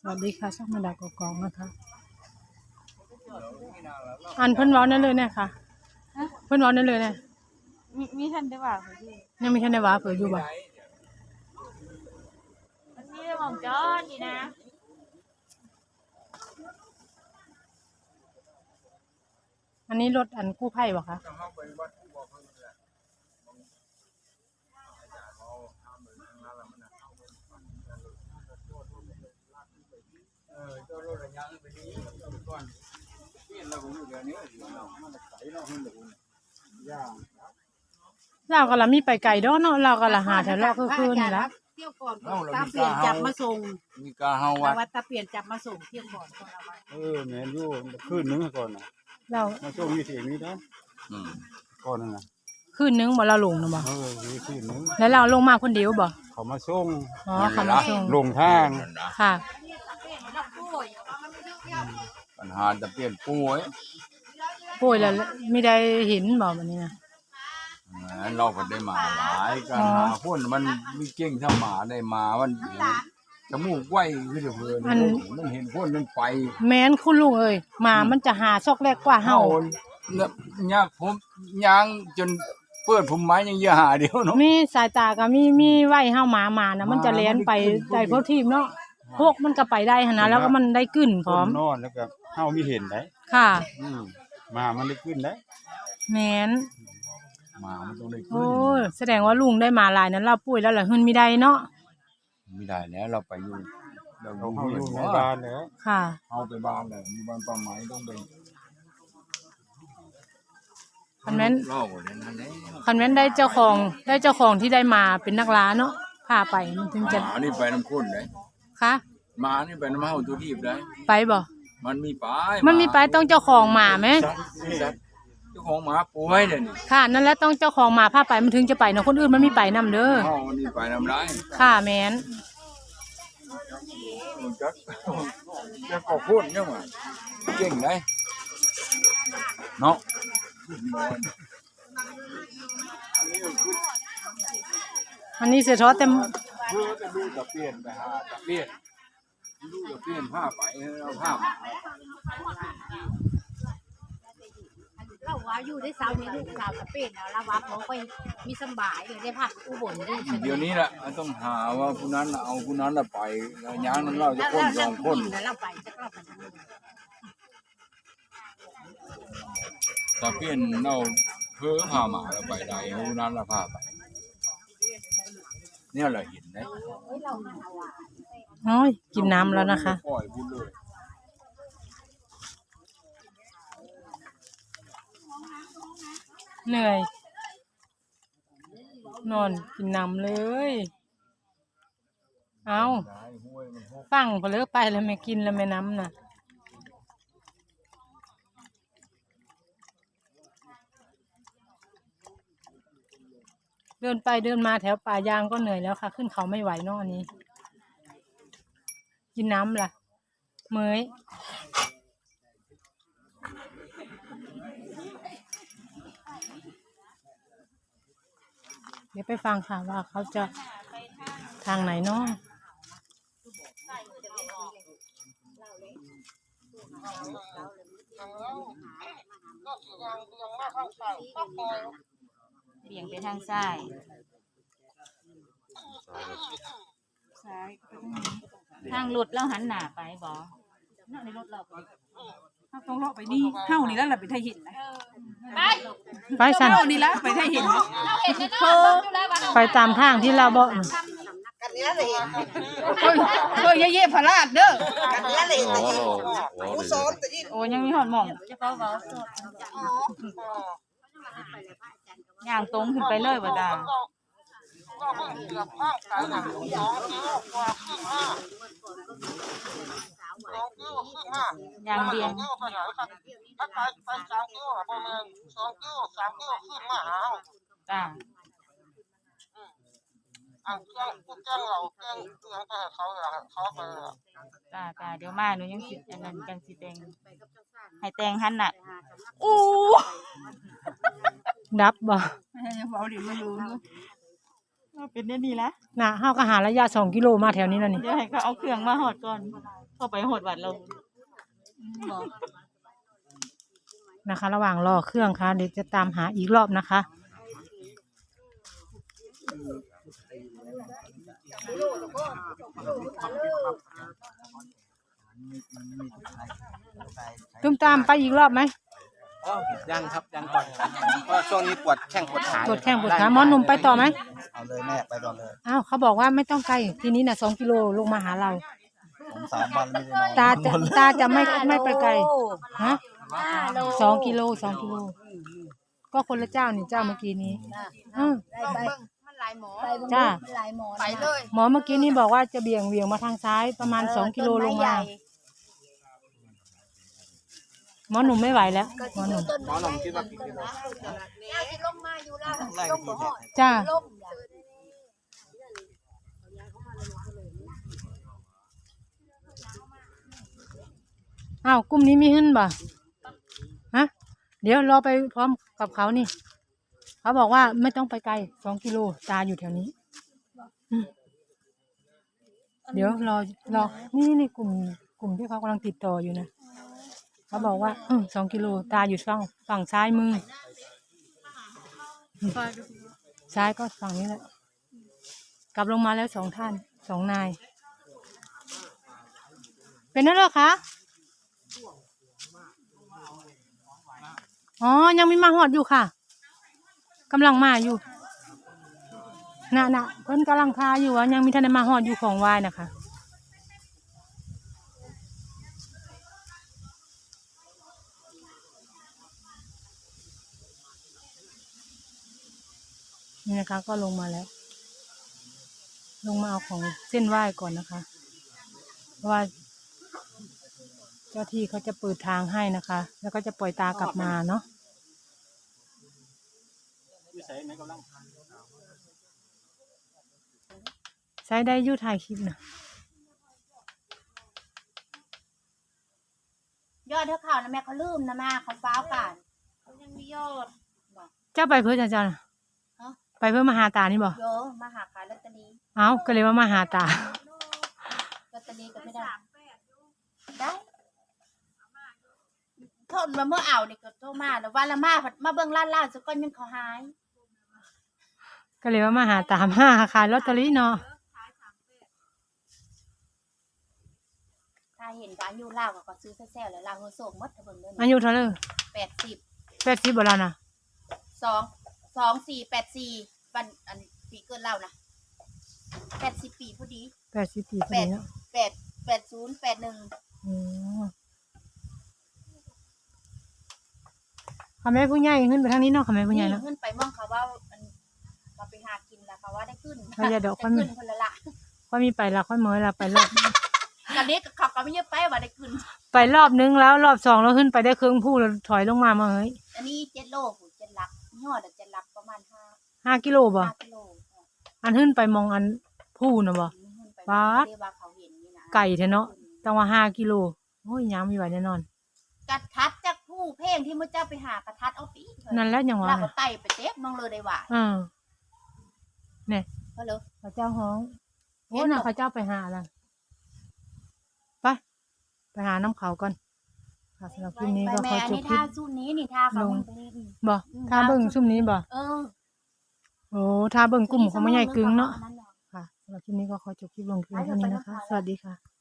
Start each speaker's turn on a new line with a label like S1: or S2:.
S1: สวัสดีค่ะช่องมาดากกองนะคะอันเพิ่นเว้านั่นเลยเนี่ยค่ะเพิ่นเว้านั่นเลยเนี่ย
S2: มีท่านได้ว่าพี่
S1: ยังมีท่านได้ว่าเผื่ออยู่บ่
S2: มันมีหม่องจอดดีนะ
S1: อันนี้รถอันกู้ภัยบ่คะเราก็ละมีไปไกลดอกเนาะเราก็ละหาแถวรอบคืนนี่ละ
S3: เที่ยวก่อนตาเปลี่ยนจับมาส่ง
S4: มีกาเฮา
S3: วัดตาเปลี่ยนจับมาส่งเที่ยวก่อน
S4: แม่นอยู่คืนนึงก่อนน่ะ
S1: เรา
S4: มาส่งอยู่ที่นี้นะก่อนนั่นน่ะ
S1: คืนนึงบ่เราลงนะบ่
S4: มีคืนนึง
S1: แล้วเราลงมาคนเดียวบ่
S4: เขามาส่ง
S1: อ๋อเขามาส่ง
S4: ลงทาง
S1: ค่ะ
S4: ปัญหาจะเปลี่ยนป่วย
S1: แล้วไม่ได้เห็นบ่บัดนี้นะ
S4: เราก็ได้มาหลายกันหาคนมันมีเก่งถ้าหมาได้มามันจมูกไว้คือเพิ่นมันเห็นคนมันไป
S1: แม้นคุณลุงเอ้ยหมามันจะหาซอกแรกกว่าเฮา
S4: เนี่ยยากผมยางจนเปิดผมไม้ยังเยอะหาเดียวเนาะ
S1: มีสายตาก็มีไว้เฮาหมานะมันจะแล่นไปได้พวกทีมเนาะพวกมันก็ไปได้หั่นนะแล้วก็มันได้กึ้นพร้อม
S4: นอนแล้วก็เฮามีเห็นได้
S1: ค่ะ
S4: มามันได้ขึ้นได้
S1: แม่น
S4: มามันต้องได้ขึ้น
S1: โอ้แสดงว่าลุงได้มาหลายนั้นเราป่วยแล้วล่ะหึ่นมีได้เนาะ
S4: ไม่ได้แล้วเราไปอยู่เราอยู่ในบ้านแล้ว
S1: ค่ะ
S4: เอาไปบ้านแล้วมีบ้านป้าไม้ต้องไป
S1: คันแม่นได้เจ้าของที่ได้มาเป็นนักล่าเนาะพาไปมันถึงจะ
S4: นี่ไปน้ำข้นได้
S1: ค่ะ
S4: มานี่ไปน้ำเฮาตัวทีบได้
S1: ไปบ่
S4: มันมี
S1: ไปต้องเจ้าของหมาไหม
S4: เจ้าของหมาป่วยเดี๋ยวนี้
S1: ค่ะนั่นแหละต้องเจ้าของหมาพาไปมันถึงจะไปเนาะคนอื่นมันมีไปนำเด้อ
S4: มันมีไปนำได้
S1: ค่ะแม่น
S4: จะก็พูดเนี่ยว่าเก่งได้เนาะ
S1: อันนี้เสียท้อเต็ม
S4: ดูจะเปลี่ยนไปหาจะเปลี่ยนดูจะเปลี่ยนผ้าไปเอาผ้า
S3: เราว่าอยู่ได้สาวนี้ลูกสาวตะเปลี่ยนแล้วว่าเขาไปมีสบายเลยได้พักอุบลได้
S4: เดี๋ยวนี้แหละต้องหาว่าผู้นั้นเอาผู้นั้นไปย้างนั้นเราจะคนสองคน
S3: เราไปจะเราไป
S4: ตะเปลี่ยนเราเพื่อพาหมาเราไปได้ผู้นั้นเราพาไปเนี่ยเราเห็นไหม
S1: โอ้ยกินน้ำแล้วนะคะเหนื่อยนอนกินน้ำเลยเอาฟังพอเลิกไปแล้วไม่กินแล้วไม่น้ำน่ะเดินไปเดินมาแถวป่ายางก็เหนื่อยแล้วค่ะขึ้นเขาไม่ไหวเนาะอันนี้กินน้ำล่ะเมยเดี๋ยวไปฟังค่ะว่าเขาจะทางไหนเนาะ
S2: เบี่ยงไปทางซ้ายทางรถแล้วหันหน้าไปบ่ในรถเรา
S3: ถ้าต้องเลาะไปนี่เข้านี่แล้วเราไปไทยหินนะ
S1: ไปสั่น
S3: เข้านี่แล้วไปไทยหิน
S1: ไปตามทางที่เราบอก
S3: กันนี้เลยเฮ้ยเย่พลาดเด้อกันนี้เลยผู้สอนแต่ที่
S2: โอ้ยังมีหอดหม่องจะเขาย่างตรงขึ้นไปเลยบ่จ้าอย่างเดียวจ้าจ้าเดี๋ยวมาหนูยังสิอันนั้นจังสิแตงให้แตงหันน่ะอู้
S1: ดับบ่
S3: เบาดิมาดู
S2: เป็นได้ดีแล้ว
S1: น่ะเฮาก็หาระยะ2 กิโลมาแถวนี้แล้วนี่
S2: เดี๋ยวให้เขาเอาเครื่องมาหอดก่อนโทเข้าไปหดวัดเรา
S1: นะคะ ระหว่างรอเครื่องค่ะเดี๋ยวจะตามหาอีกรอบนะคะตุ้มตามไปอีกรอบไหม
S5: ยังครับยังก่อนเพราะช่วงนี้ปวดแข้งปวดขา
S1: ปวดแข้งปวดขาหมอหนุ่มไปต่อไหม
S5: เอาเลยแม่ไปก่อนเลย
S1: อ้าวเขาบอกว่าไม่ต้องไกลทีนี้น่ะ2 กิโลลงมาหาเรา
S5: ผม3 วันไม่ได้นอน
S1: ตาจะไม่ไปไกลฮะ2 กิโลก็คนละเจ้านี่เจ้าเมื่อกี้นี้
S3: มันหลายหมอ
S1: จ้า
S3: ไปเลย
S1: หมอเมื่อกี้นี้บอกว่าจะเบี่ยงมาทางซ้ายประมาณ2 กิโลลงมาหมอหนุ่มไม่ไหวแล้วหมอหนุ่ม
S5: หมอหนุ่มคิดว่ากี่กิโล
S3: ลงมาอยู่แล้ว
S5: ไล่กี่กิโล
S1: จ้าอ้าวกลุ่มนี้มีขึ้นบ่ฮะเดี๋ยวรอไปพร้อมกับเขานี่เขาบอกว่าไม่ต้องไปไกล2 กิโลตาอยู่แถวนี้เดี๋ยวรอนี่กลุ่มที่เขากำลังติดต่ออยู่นะเขาบอกว่า2 กิโลตาอยู่ฝั่งซ้ายมือซ้ายก็ฝั่งนี้แหละกลับลงมาแล้ว2 ท่าน2 นายเป็นนั่นเหรอคะอ๋อยังไม่มาหอดอยู่ค่ะกำลังมาอยู่น่ะเพิ่นกำลังทาอยู่ยังมีท่านได้มาหอดอยู่ของไหว้นะคะนี่นะคะก็ลงมาแล้วลงมาเอาของเส้นไหว้ก่อนนะคะเพราะว่าเจ้าที่เขาจะเปิดทางให้นะคะแล้วก็จะปล่อยตากลับมาเนาะใช้ได้ยู่ถ่ายคลิปนะ
S3: ยอดเท่าข่าวนะแม่เขาลืมนะแม่เขาฟ้าวป่านเขายังมียอด
S1: เจ้าไปเพื่อจ้าไปเพื่อมาหาตานี่บ่
S3: โยมาหาขายลอตเตอรี่
S1: เอ้าก็เลยว่ามาหาตา
S3: ลอตเตอรี่ก็ไม่ได้ได้ทนมาเมื่อเอาเด็กก็โทรมาแล้ววันละมาเบิ่งล้านสักก้อนยังเขาหาย
S1: ก็เลยว่ามาหาตามาขายลอตเตอรี่เนาะ
S3: ถ้าเห็นการอยู่ลาวก็ซื้อแซ่ๆแล้วลาวเฮอโศกหมดถ้าเบิ่งเด้อ
S1: อายุเท่าไหร่
S3: 80
S1: 80บ่แล้วนะ
S3: 2484วันอันปีเกิดเรานะ80 ปีพอดี
S1: 80 ปีพอดีเนาะ
S3: 80 81
S1: อ๋อค่ะแม่ผู้ใหญ่ขึ้นไปทางนี้เนาะค่ะแม่ผู้ใหญ่เนาะ
S3: ขึ้นไปมองเขาว่ามันเราไปหากินแล้วเขาว่าได้ขึ้น
S1: เราจะดอก
S3: ขึ้นคนละละ
S1: ค่อยมีไปละค่อยเมื่อละไปรอบ
S3: กันเด็กเขาก็ไม่เยอะไปว่าได้ขึ้น
S1: ไปรอบนึงแล้วรอบ2แล้วขึ้นไปได้ครึ่งผู้แล้วถอยลงมาเฮ้ย
S3: อันนี้7 โลหู7 ลักยอด7 ลักประมาณ
S1: 5 กิโลบ่
S3: 5 กิโล
S1: อันขึ้นไปมองอันผู้น่ะบ่ ป๊าด
S3: ว่าเขาเห็นนี่นะ
S1: ไก่แท้เนาะต้องว่า5 กิโลโอ้ยยังมีไหวแน่นอน
S3: กระทัดจากผู้เพ่งที่มุเจ้าไปหากระทัดเอาปี
S1: นั่นแหละยังว่า
S3: เราก็ไต่ไปเต็มมองเลยได้ว่า
S1: เนี่ย
S3: เพราะเลย
S1: พระเจ้าฮ้องโอ้
S3: เห็น
S1: น่ะ
S3: ดอก
S1: พระเจ้าไปหาอะไรไปหาน้ำเขาก่อนค่ะสำหรับคลิปนี้ก็ขอ
S3: แม่
S1: จ
S3: นี่
S1: บคลิ
S3: ท่า
S1: ป
S3: สู้นี้นี่ท่าเขา
S1: ลง
S3: ไปนี่
S1: บ่ถ้าเบิ่งซุ่มนี้บ่ โอ้ถ้าเบิ่งกลุ่มของแม่ใหญ่กึ่งเนาะค่ะสำหรับคลิปนี้ก็ขอจบคลิปลงเพียงเท่านี้นะคะ สวัสดีค่ะ